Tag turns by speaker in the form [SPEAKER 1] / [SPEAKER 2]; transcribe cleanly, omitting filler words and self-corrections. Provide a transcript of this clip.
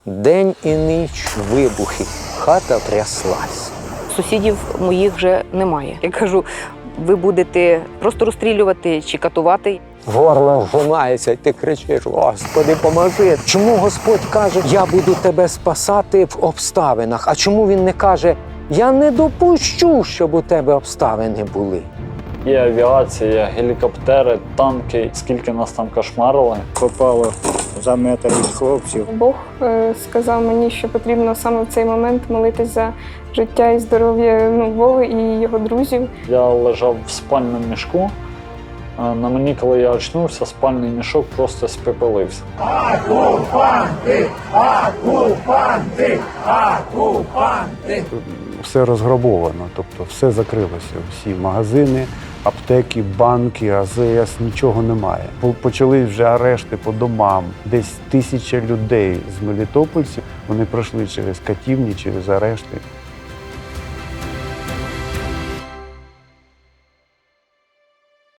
[SPEAKER 1] День і ніч вибухи, хата тряслась.
[SPEAKER 2] Сусідів моїх вже немає. Я кажу, ви будете просто розстрілювати чи катувати.
[SPEAKER 1] Горло вжимається, і ти кричиш: Господи, поможи. Чому Господь каже, я буду тебе спасати в обставинах? А чому Він не каже, я не допущу, щоб у тебе обставини були?
[SPEAKER 3] Є авіація, є гелікоптери, танки. Скільки нас там кошмарили.
[SPEAKER 4] Попало за метр від хлопців.
[SPEAKER 5] Бог сказав мені, що потрібно саме в цей момент молитись за життя і здоров'я Вови і його друзів.
[SPEAKER 3] Я лежав в спальному мішку. На мені, коли я очнувся, спальний мішок просто спепелився.
[SPEAKER 6] Окупанти! Окупанти! Окупанти!
[SPEAKER 7] Все розграбовано, тобто все закрилося. Всі магазини, аптеки, банки, АЗС, нічого немає. Почали вже арешти по домам. Десь 1000 людей з мелітопольців, вони пройшли через катівні, через арешти.